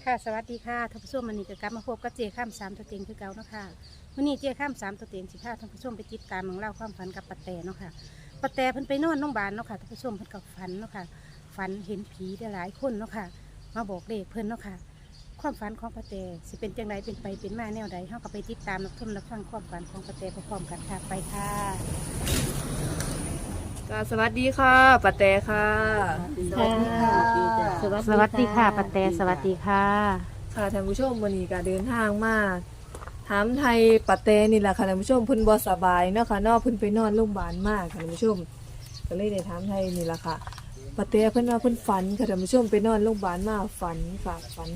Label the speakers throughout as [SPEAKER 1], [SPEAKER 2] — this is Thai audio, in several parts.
[SPEAKER 1] ค่ะสวัสดีค่ะท่านผู้ชมวันนี้ก็กลับมาพบกับเจข้ามสามตัวเต็งคือเก่าเนาะค่ะวันนี้เจข้ามสามตัวเต็งสิพาท่านผู้ชมไปติดตามเรื่องเล่าวความฝันกับปะแตเนาะค่ะปะแตเพิ่นไปนอนโรงพยาบาลเนาะค่ะท่านผู้ชมเพิ่นกับฝันเนาะค่ะฝันเห็นผีได้หลายคนเนาะค่ะมาบอกเลขเพิ่นเนาะค่ะความฝันของปะแตสิเป็นจังไดเป็นไปเป็นมาแนวใดเฮาก็ไปติดตามรับชมรับฟังความฝันของปะแตพร้อมๆกันค่ะไปค่ะ
[SPEAKER 2] สวัสดีค่ะปะแตค่ะ
[SPEAKER 1] สวัสดีค่ะสวัสดีค่ะปะแตสวัสดีค่ะ
[SPEAKER 2] ค่ะท่านผู้ชมวันนี้ก็เดินทางมาถามไทยปะแตนี่แหละค่ะท่านผู้ชมเพิ่นบ่สบายเนาะค่ะเนาะเพิ่นไปนอนโรงพยาบาลมากค่ะท่านผู้ชมก็เลยได้ถามไทยนี่แหละค่ะปะแตเพิ่นว่าเพิ่นฝันค่ะท่านผู้ชมไปนอนโรงพยาบาลมาฝันค่ะ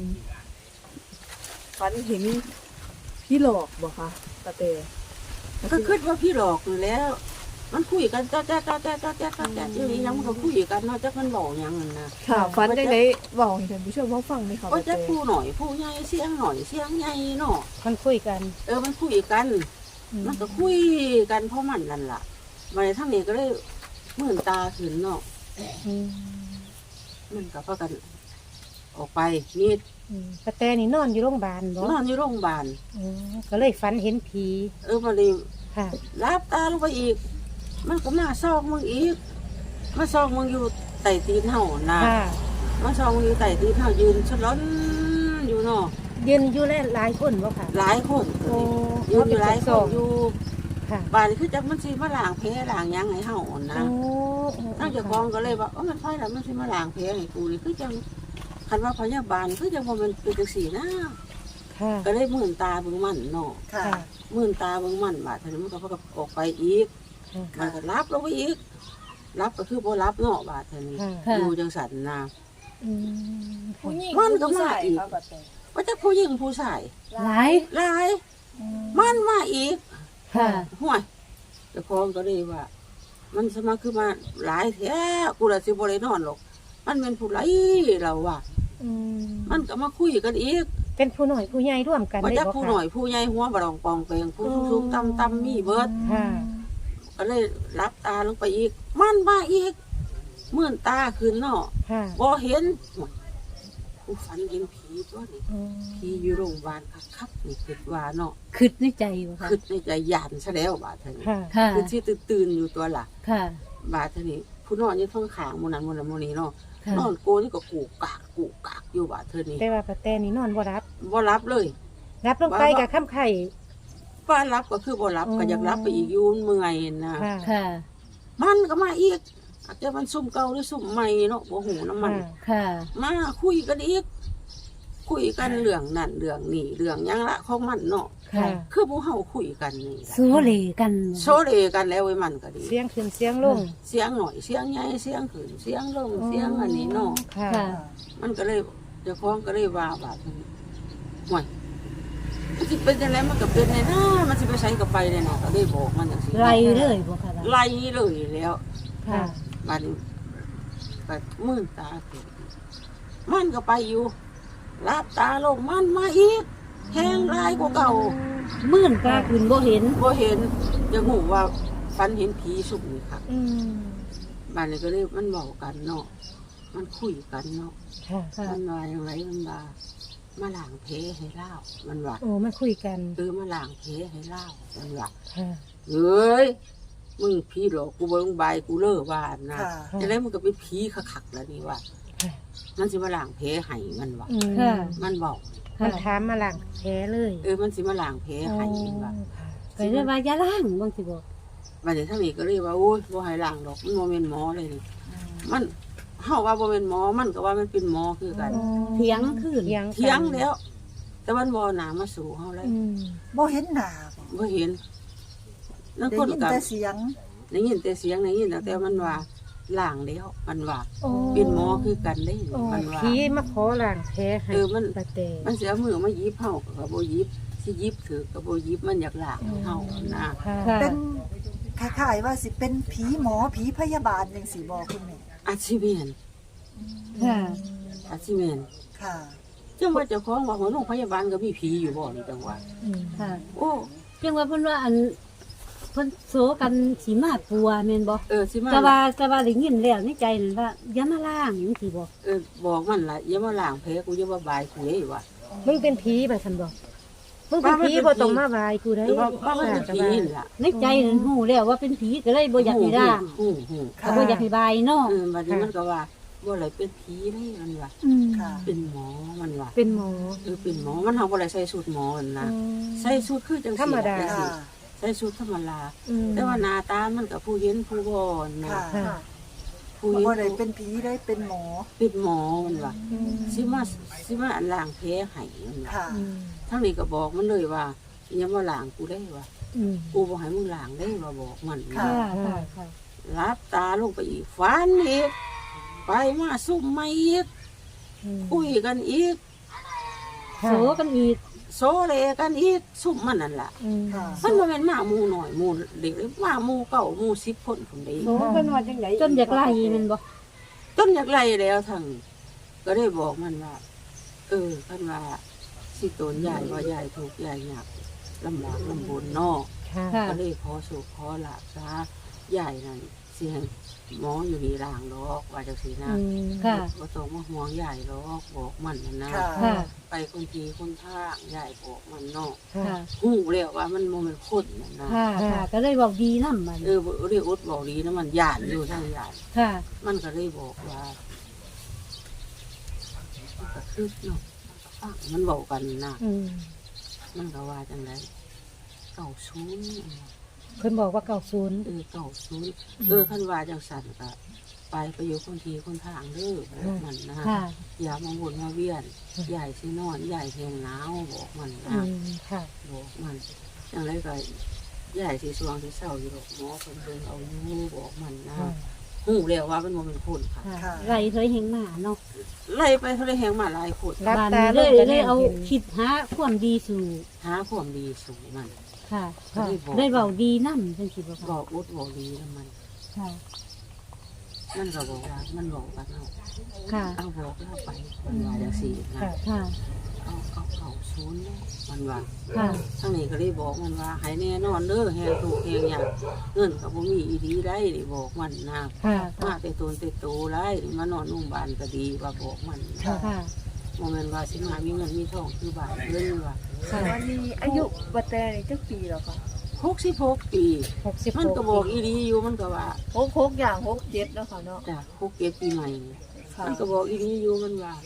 [SPEAKER 2] ฝันเห็นพี่หลอกบ่คะปะแต
[SPEAKER 3] ก็คิดว่าพี่หลอกอยู่แล้ว มันคุยกันจ้าอยู่นี่ยังมันก็คุยกันเนาะจักมันบอกยังนั่นนะ
[SPEAKER 2] ค่ะฝันจังได๋เว้าให้ท่านผู้ชมเฮาฟังหน่อยค่ะ
[SPEAKER 3] ก็
[SPEAKER 2] ปะแต
[SPEAKER 3] จะผู้หน่อยผู้ใหญ่เสียงหน่อยเสียงใหญ่เนาะ
[SPEAKER 1] มันคุยกัน
[SPEAKER 3] มันคุยกัน มันก็คุยกันเพราะมันนั่นล่ะมาในทั้งนี้ก็เลยมื่นตาขึ้นเนาะ
[SPEAKER 1] อืม
[SPEAKER 3] มันก็พากัน ออกไปนี่
[SPEAKER 1] ปะแตนี่นอนอยู่โรงพยาบาลบ่
[SPEAKER 3] นอนอยู่โรงพยาบาล
[SPEAKER 1] ก็เลยฝันเห็นผี
[SPEAKER 3] มาเลย
[SPEAKER 1] ค่ะ
[SPEAKER 3] รับตาลงไปอีก มันก็มาซอกมึงอีกมาซอกมึงอยู่ใต้ตีนเฮานะ
[SPEAKER 1] ค่ะ
[SPEAKER 3] มาซอกมึงอยู่ใต้ตีนเฮายืนฉลอนอยู่เนาะ
[SPEAKER 1] ยืนอยู่หลายคนบ่ค่ะ
[SPEAKER 3] หลายคน
[SPEAKER 1] โอ้
[SPEAKER 3] ยืนอยู่หลายคนอยู่
[SPEAKER 1] ค่ะ
[SPEAKER 3] บ้านคือจักมันสิมาล้างแผลล้างหยังให้เฮานะ
[SPEAKER 1] โอ้
[SPEAKER 3] นั่งเจ้าของก็เลยว่ามันไผล่ะมันสิมาล้างแผลให้กูนี่คือจังคันว่าพยาบาลคือจังบ่แม่นเป็นจังซี่นะ
[SPEAKER 1] ค่ะ
[SPEAKER 3] ก็เลยมื่นตาเบิ่งมันเนาะ
[SPEAKER 1] ค่ะ
[SPEAKER 3] มื่นตาเบิ่งมันบาดเท่านี้มันก็พากันออกไปอีกมันก็รับลงไปอีกรับก็คือบ่รับเนาะบาดเท่านี้
[SPEAKER 1] ค่ะ
[SPEAKER 3] อยู่จังซั่นนะ
[SPEAKER 1] อืม
[SPEAKER 2] ผู้หญิง
[SPEAKER 3] มันก็มาอีก
[SPEAKER 2] ค่ะปะแต
[SPEAKER 3] ว่าจะผู้หญิงผู้ชาย
[SPEAKER 1] หลาย
[SPEAKER 3] หลายมันมาอีก
[SPEAKER 1] ค่ะ
[SPEAKER 3] ห่วยเจ้าของก็เลยว่า มันสมาคือมาหลายแท้กูละสิบ่ได้นอนหรอกมันเป็นผู้ไรเราว่า
[SPEAKER 1] อืม
[SPEAKER 3] มันก็มาคุยกันอีก
[SPEAKER 1] เป็นผู้หน่อยผู้ใหญ่ร่วมกัน
[SPEAKER 3] ว่า
[SPEAKER 1] ได้
[SPEAKER 3] จะ
[SPEAKER 1] บ่
[SPEAKER 3] ผู้
[SPEAKER 1] ค่ะ
[SPEAKER 3] หน่อยผู้ใหญ่หัวบรองปองเปงผู้สูงต่ำมีเบิด
[SPEAKER 1] ค่ะ
[SPEAKER 3] ก็เลยรับตาลงไปอีก มันมาอีกเมื่อนตาขึ้นเนาะ
[SPEAKER 1] ค่ะ
[SPEAKER 3] บ่เห็นกูฝันเห็นผีตัวนี้
[SPEAKER 1] อืม
[SPEAKER 3] ผีอยู่โรงพยาบาลคักๆนี่คิดว่าเนาะ
[SPEAKER 4] คิดในใจบ่ค่ะ
[SPEAKER 3] คิดในใจยานซะแล้วบาดเท่านี้
[SPEAKER 1] ค่ะ
[SPEAKER 4] ค่ะ
[SPEAKER 3] คือที่ตื่นๆอยู่ตัวล่ะ
[SPEAKER 4] ค่ะ
[SPEAKER 3] บาดเท่านี้ผู้นอนอยังท้องขางหมูนั้นหมูนี้เนาะ
[SPEAKER 4] ค่ะ
[SPEAKER 3] นอนโกนี่ก็กูกากอยู่บาดเท่านี้
[SPEAKER 1] แต่ว่าปะแตนี่นอนบ่รับ
[SPEAKER 3] บ่รับเลย
[SPEAKER 1] รับลงไปกับข้ามไข่
[SPEAKER 3] ว่ารับก็คือบ่รับ
[SPEAKER 1] อ๋อ
[SPEAKER 3] ก็อยากรับไปอีกอยูนเมื่อยนะ
[SPEAKER 1] ค่ะ
[SPEAKER 4] ค่ะ
[SPEAKER 3] มันก็มาอีกอาจจะมันซุ่มเก่าหรือซุ่มใหม่เนาะบ่หูน้ำมัน
[SPEAKER 4] ค่ะ
[SPEAKER 3] มาคุยกันอีก คุยกันเรื่องนั่นเรื่องนี่เรื่องหยังละของมันเนาะ
[SPEAKER 1] ค่ะ
[SPEAKER 3] คือพวกเฮาคุยกันนี่ล่ะ
[SPEAKER 4] โซเลกัน
[SPEAKER 3] โซเลกันแล้วไว้มันก็ดี
[SPEAKER 1] เสียงขึ้นเสียงลง
[SPEAKER 3] เสียงหน่อยเสียงใหญ่เสียงขึ้นเสียงลงเสียงอันนี้เนาะ
[SPEAKER 1] ค่ะ
[SPEAKER 4] ค่ะ
[SPEAKER 3] มันก็เลยเจ้าของก็เลยว่าบาดนี้ห่วยมันสิเป็นจังไดมันก็เป็นเลยนะมันสิไปใช้กับไปเลยนะก็เลยบอกมันจังซี่
[SPEAKER 4] ไรเลยบ่ค่ะ
[SPEAKER 3] ไล่เลยแล้ว
[SPEAKER 1] ค่ะ
[SPEAKER 3] บาดนี้ก็มื่นตาขึ้นมันก็ไปอยู่รับตาลงมันมาอีกแห้งลายกว่าเก่า
[SPEAKER 4] มื่นตาคุณบ่เห็น
[SPEAKER 3] บ่เห็นจะหูว่าฝันเห็นผีสุกนี่ค่ะ
[SPEAKER 1] อืม
[SPEAKER 3] บ้านนี้ก็เลยมันบอกกันเนาะมันคุยกันเนาะ
[SPEAKER 1] ค่ะ
[SPEAKER 4] ค่ะ
[SPEAKER 3] มันว่าอย่างไรมันว่ามาล้างเพให้เล่ามันว่า
[SPEAKER 1] โอ้มันคุยกัน
[SPEAKER 3] มาล้างเพให้เล่ามันว่า
[SPEAKER 1] ค่ะ
[SPEAKER 3] เฮ้ยมึงผีหรอกกูเบิ่งใบกูเลิกว่านะ
[SPEAKER 1] ค่ะ
[SPEAKER 3] จะได้มันก็เป็นผีคักๆแล้วนี่ว่า
[SPEAKER 1] ค่ะ
[SPEAKER 3] มันสิมาล้างเพให้มันว่า
[SPEAKER 1] อืม
[SPEAKER 4] ค่ะ
[SPEAKER 3] มันบอก
[SPEAKER 1] มันถามมาหลังแท้เลย
[SPEAKER 3] มันสิมาล้างเพให้มันว่า
[SPEAKER 1] ค่ะ
[SPEAKER 4] ไปเรียกว่าอย่าล้างบางสิบอก
[SPEAKER 3] บ้านนี้ทั้งนี้ก็เลยว่าโอ้ยบ่ให้ล้างดอกมันบ่เป็นหมอเลยนี่มันเฮาว่าบ่เป็นหมอมันก็ว่ามันเป็นหมอคือกัน
[SPEAKER 4] เถียงคืน
[SPEAKER 1] เถียง
[SPEAKER 3] เถียงแล้ว แต่มันบ่หนามาสู่เฮาเลย
[SPEAKER 1] อืม
[SPEAKER 5] บ่เห็นหน้าบ่
[SPEAKER 3] บ่เห็นนั่น
[SPEAKER 5] ได้
[SPEAKER 3] คน
[SPEAKER 5] ยิน
[SPEAKER 3] ก็
[SPEAKER 5] แต่เสียง
[SPEAKER 3] ได้ยินแต่เสียงได้ยินแต่มันว่าล้างแล้วมันว่า
[SPEAKER 1] โอ้
[SPEAKER 3] เป็นหมอคือกันได้
[SPEAKER 1] โอ้
[SPEAKER 3] มันว่า
[SPEAKER 1] ผีมาขอหลังแท้ให้
[SPEAKER 3] มัน
[SPEAKER 1] ปะแต
[SPEAKER 3] มันเสียมือมายิบเฮาก็บ่ยิบสิยิบถือก็บ่ยิบมันอยากล้างให้เฮานะ
[SPEAKER 1] ค่ะ
[SPEAKER 4] ค่ะ
[SPEAKER 5] เป็นคล้ายๆว่าสิเป็นผีหมอผีพยาบาลจังซี่บ่คุณแม่
[SPEAKER 3] อาชีพเมียน
[SPEAKER 4] ค่ะ
[SPEAKER 3] อาชีพเมียน
[SPEAKER 5] ค่ะ
[SPEAKER 3] จังว่าเจ้าของว่าหัวโรงพยาบาลก็มีผีอยู่บ่นี่จังว่า
[SPEAKER 1] อืม
[SPEAKER 4] ค่ะ
[SPEAKER 3] โอ้
[SPEAKER 4] จังว่าเพิ่นว่าอันพิ่นโซกันสิมาปัวแม่นบ่
[SPEAKER 3] สิมา
[SPEAKER 4] แต่ว่าได้ยินแล้วในใจนั่นว่าอย่ามาล่างจังซี่บ่
[SPEAKER 3] บอกมันล่ะอย่ามาล้างแผลกูอย่ามาบายกูเด้ว่า
[SPEAKER 1] มึงเป็นผีแบบฉันบอกมึงเป็นผีบ่ต้องมาบายกูได้
[SPEAKER 3] ว่ามันเป็นผีนี่ล่ะ
[SPEAKER 4] ในใจนั่นฮู้แล้วว่าเป็นผีก็เลยบ่อยากให้ล่าง
[SPEAKER 3] ฮู้
[SPEAKER 4] ก็บ่อยากให้บายเนาะ
[SPEAKER 3] บัดนี้มันก็ว่าบ่อะไรเป็นผีได้มันว่า
[SPEAKER 5] ค่ะ
[SPEAKER 3] เป็นหมอมันว่า
[SPEAKER 1] เป็นหมอ
[SPEAKER 3] เป็นหมอมันเฮาบ่ได้ใส่สูตรหมอนั่นนะใส่สูตรคือจังซี่
[SPEAKER 1] ธรรมดา
[SPEAKER 5] ค่ะ
[SPEAKER 3] ใส่สูตรธรรมดาแต่ว่าหน้าตามันก็ผู้เห็นผู้บ่นะ
[SPEAKER 5] ค่ะ
[SPEAKER 1] ค่ะ
[SPEAKER 3] ผู้เห็น
[SPEAKER 5] บ่ได้เป็นผีได้เป็นหมอ
[SPEAKER 3] เป็นหมอมันว่าสิมาล้างแผลให้มันว่า
[SPEAKER 5] ค่ะ
[SPEAKER 3] ทั้งนี้ก็บอกมันเลยว่าอย่ามาล้างกูได้ว่า
[SPEAKER 1] อืม
[SPEAKER 3] กูบ่ให้มึงล้างได้ว่าบอกมัน
[SPEAKER 5] ค่ะ
[SPEAKER 4] ค่ะ
[SPEAKER 3] รับตาลงไปอีกฟันอีกไปมาซุ่มมาอีกคุยกันอีก
[SPEAKER 4] โซกันอีก
[SPEAKER 3] โซเลกันอีกซุ่มมันนั่นล่ะ
[SPEAKER 5] ค่ะ
[SPEAKER 3] มันบ่แม่นมาหมู่หน่อยหมู่เด็กเลยมาหมู่เก่าหมู่10คนพุ่นเด้
[SPEAKER 2] โน้เป็นว่าจังได
[SPEAKER 4] จนอยากไล่แม่นบ่
[SPEAKER 3] จนอยากไล่แล้วทั้งก็ได้บอกมันว่าคันว่าสิโตนยายว่ายายทุกข์ยายยากลำบากลำบนเนาะ
[SPEAKER 1] ค่ะ
[SPEAKER 4] ค่ะ
[SPEAKER 3] ก็เลยขอสู่ขอลาบซะยายนั่นสิให้หมออยู่นี่ล่างดอกว่าจังซี่นะ
[SPEAKER 4] ค่ะ
[SPEAKER 3] บ่ต้องมาห่วงยายหรอกบอกมันนั่นนะ
[SPEAKER 5] ค่ะ
[SPEAKER 4] ค่ะ
[SPEAKER 3] ไปคนทีคนทางยายบอกมันเนาะ
[SPEAKER 4] ค่ะ
[SPEAKER 3] ฮู้แล้วว่ามันบ่แม่นคนนั่นนะ
[SPEAKER 4] ค่ะค่ะก็เลยเว้าดีนำมัน
[SPEAKER 3] บ่เรียกอดบอกดีนะมันย่านอยู่ทางย่าน
[SPEAKER 4] ค่ะ
[SPEAKER 3] มันก็เลยบอกว่ามันก็คือเนาะฟังมันเว้ากันนะ
[SPEAKER 1] อืม
[SPEAKER 3] มันก็ว่าจังได๋เก่าศูนย์
[SPEAKER 1] เพิ่นบอกว่าเก่าศูนย์
[SPEAKER 3] เก่าศูนย์คันว่าจังสั่นก็ไปอยู่คนทีคนทางเด้อบอกมันนะ
[SPEAKER 4] ค่ะ
[SPEAKER 3] อย่ามาวนมาเวียนใหญ่สินอนใหญ่แหงหนาวบอกมัน
[SPEAKER 1] อื
[SPEAKER 3] นะ
[SPEAKER 1] มค่ะ
[SPEAKER 3] บอกมันอย่างไรก็ใหญ่สิสวงสิเศร้าอยู่ดอกหมอคนเดินเอาอยู่บอกมันนะ
[SPEAKER 1] ค่ะ
[SPEAKER 3] หูแล้วว่ามันบ่เป็นคนค่ะ
[SPEAKER 4] ค่ะไล่เคยเห็นมาเนาะ
[SPEAKER 3] ไล่ไปเท่าไรแหงมาหลายคน
[SPEAKER 1] รับ
[SPEAKER 4] บ้าน
[SPEAKER 1] ตา
[SPEAKER 4] นี้
[SPEAKER 1] ล
[SPEAKER 4] เลย
[SPEAKER 1] งก็
[SPEAKER 4] เอา
[SPEAKER 1] เห็น
[SPEAKER 4] คิดหาความดีสู่
[SPEAKER 3] หาความดีสูงมัน
[SPEAKER 4] ค่ะ
[SPEAKER 1] ค่ะ
[SPEAKER 4] ได้เว้าดีนำจังซี่บ่
[SPEAKER 3] บ
[SPEAKER 4] ค่ะ
[SPEAKER 3] อกอุดบอกดีแล้วมัน
[SPEAKER 4] ค่ะ
[SPEAKER 3] มันก็บอกว่ามันบอกกันเอา
[SPEAKER 4] ค่ะ
[SPEAKER 3] เอาบอกแล้วไปมันว่าจังซี่นะ
[SPEAKER 1] ค่ะ
[SPEAKER 4] ค่ะ
[SPEAKER 3] เอาเก่าศูนย์เนาะมันว่า
[SPEAKER 4] ค่ะ
[SPEAKER 3] ทั้งนี้ก็ได้บอกมันว่าให้แน่นอนเด้อแหงถูกแหงอยากเงินก็บ่มีอีดีได้ได้บอกมันนะ
[SPEAKER 1] ค่ะ
[SPEAKER 3] มาแต่ตนแต่โตได้มานอนโรงพยาบาลก็ดีว่าบอกมัน
[SPEAKER 5] ค่ะ
[SPEAKER 4] ค่ะ
[SPEAKER 3] โมเมนต์ว่าสิมามีเงินมีทองคือบ้านเงินว่า
[SPEAKER 1] ค่ะ
[SPEAKER 2] วันนี้อายุบ่แต่นี่จักปีแล้วค่ะ
[SPEAKER 3] 66 ปี
[SPEAKER 1] 66
[SPEAKER 3] มันก็บอกอีดีอยู่มันก็ว่า
[SPEAKER 2] 66อย่าง67แล้วค่ะเนาะ
[SPEAKER 3] จ้ะ67ปีใหม่
[SPEAKER 2] ค่ะ
[SPEAKER 3] มันก็บอกอีดีอยู่มันว่า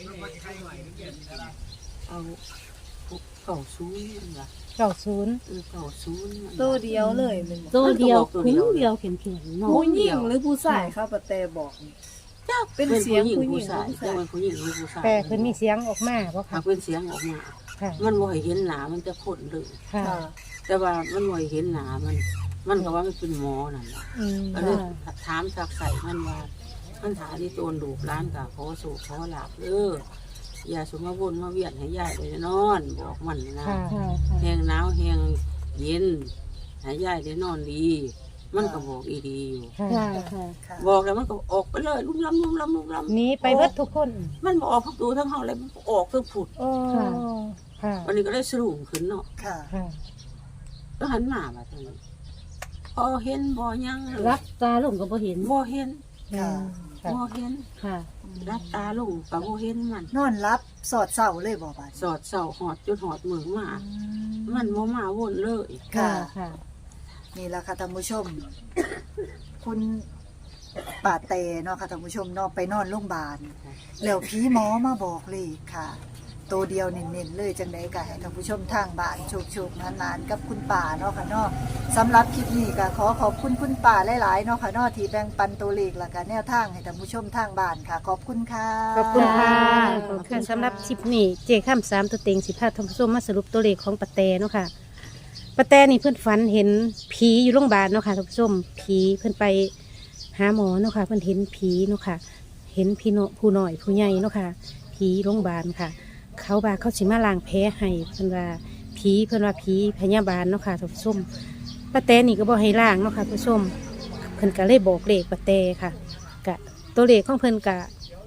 [SPEAKER 3] เอาเก่าศูนย์มันว่า
[SPEAKER 1] เก่าศูนย์
[SPEAKER 3] เก่าศูนย์มันว่า
[SPEAKER 2] ตัวเดียวเลยแมันบ่
[SPEAKER 4] ตัวเดียว
[SPEAKER 3] มันก็บอกตัวเดี
[SPEAKER 4] คุ้
[SPEAKER 3] ยว
[SPEAKER 4] งเดียวเข็มๆเนาะ
[SPEAKER 2] ผู้หญิงหรือผู้ชายครับปะแต่บอกนี่
[SPEAKER 3] จ้ะ
[SPEAKER 2] เป็นเสียงผู้หญิง
[SPEAKER 3] ผู้ชาย
[SPEAKER 2] ผู้ชาย
[SPEAKER 3] จะเป็นผู้หญิงหรือผู้ชาย
[SPEAKER 1] แต่เพิ่นมีเสียงออกมาบ่
[SPEAKER 3] หา
[SPEAKER 1] ค่ะ
[SPEAKER 3] เป็นเสียงออกมา
[SPEAKER 1] ค่ะ
[SPEAKER 3] มันบ่ให้เห็นหน้ามันจะคนเลย
[SPEAKER 1] ค่ะ
[SPEAKER 2] ค่ะ
[SPEAKER 3] แต่ว่ามันบ่ให้เห็นหน้ามันก็ว่ามันเป็นหมอนั่นแหละ
[SPEAKER 1] อืม
[SPEAKER 3] ก็เลยถามสักใส่มันว่ามันถาที่โตนดูกร้านกับขอสู่ขอหลับอย่าสมมาวนมาเวียนให้ยายได้นอน บอกมันนะ
[SPEAKER 1] ค่ะ
[SPEAKER 4] ค่ะ
[SPEAKER 3] แหงหนาวแหงเย็นให้ยายได้นอนดี มันก็บอกอีดีอยู่
[SPEAKER 1] ค่ะ
[SPEAKER 4] ค่ะค่ะ
[SPEAKER 5] ค่ะ
[SPEAKER 3] บอกแล้วมันก็ออกไปเลยลุ่มล้ำลุ่มล้ำลุ่มล้
[SPEAKER 1] หนีไปเบิดทุกคน
[SPEAKER 3] ำมันบออกพักดูทั้งห้องเลยมันออกทั้งผุด
[SPEAKER 1] โอ้ค่ะ
[SPEAKER 3] วันนี้ก็ได้สรุปขึ้นเนาะ
[SPEAKER 5] ค่ะ
[SPEAKER 1] ค่ะ
[SPEAKER 3] ก็หันหน้ามาทางนี้พอเห็นบ่ยังเลย
[SPEAKER 4] รับตาลงก็บ่เห็น
[SPEAKER 3] บ่เห็น
[SPEAKER 5] ค่ะ
[SPEAKER 1] ค่ะ
[SPEAKER 3] บ่เห็น
[SPEAKER 4] ค่ะ
[SPEAKER 3] รับตาลงกับบ่เห็นมัน
[SPEAKER 5] นอนรับสอดเศร้าเลยบ่บาด
[SPEAKER 3] สอดเสาหอดจนหอดมือมามันบ่มาวนเลย
[SPEAKER 5] ค่ะ
[SPEAKER 4] ค่ะ
[SPEAKER 5] นี่แหละค่ะท่านผู้ชม คุณป่าเตเนาะค่ะท่านผู้ชมเนาะไปนอนโรงพยาบาลแล้วผีหมอมาบอกเลยค่ะ ตัวเดียวเน้นๆเลยจังไดก็ให้ท่านผู้ชมทางบ้านโชคๆนานๆกับคุณป่าเนาะค่ะเนาะสำหรับคลิปนี้ก็ขอขอบคุณคุณป่าหลายๆเนาะค่ะเนาะที่แบ่งปันตัวเลขและก็แนวทางให้ท่านผู้ชมทางบ้านค่ะ ขอบคุณค่ะ
[SPEAKER 1] ขอบคุณค่ะ
[SPEAKER 4] ขอบคุณค่ะ
[SPEAKER 1] ค่ะสำหรับคลิปนี้เจข้าม3ตัวเต็ง15ท่านผู้ชมมาสรุปตัวเลขของปะแตเนาะค่ะปะแตนี่เพื่อนฝันเห็นผีอยู่โรงพยาบาลเนาะค่ะท่านผู้ชมผีเพื่อนไปหาหมอเนาะค่ะเพื่อนเห็นผีเนาะค่ะ เห็นพี่น้อยผู้น้อยผู้ใหญ่เนาะค่ะผีโรงพยาบาลค่ะ เขาบาเขาสิมาล้างแผลให้เพิ่นว่าผีพยาบาลเนาะค่ะท่านผู้ชมปะแตนี่ก็บ่ให้ล้างเนาะค่ะท่านผู้ชมเพิ่นก็เลยบอกเลขปะแตค่ะกะตัวเลขของเพิ่นกะ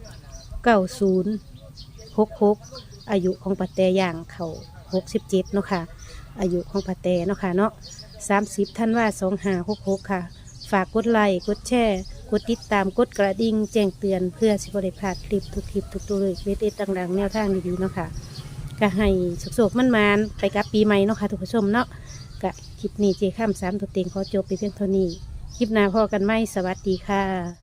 [SPEAKER 1] 9066อายุของปะแตย่างเขา67เนาะค่ะอายุของปะแตเนาะค่ะเนาะ 30ธันวาคม2566ค่ะฝากกดไลค์กดแชร์กดติดตามกดกระดิ่งแจ้งเตือนเพื่อสิบ่ได้พลาดคลิปทุกคลิปทุกตัวเลยเด็ดๆต่างๆแนวทางดีๆเนาะค่ะก็ให้สุขๆมันๆไปกับปีใหม่เนาะค่ะทุกผู้ชมเนาะก็คลิปนี้เจข้าม3ตัวเต็งขอจบไปเพียงเท่านี้คลิปหน้าพอกันไหมสวัสดีค่ะ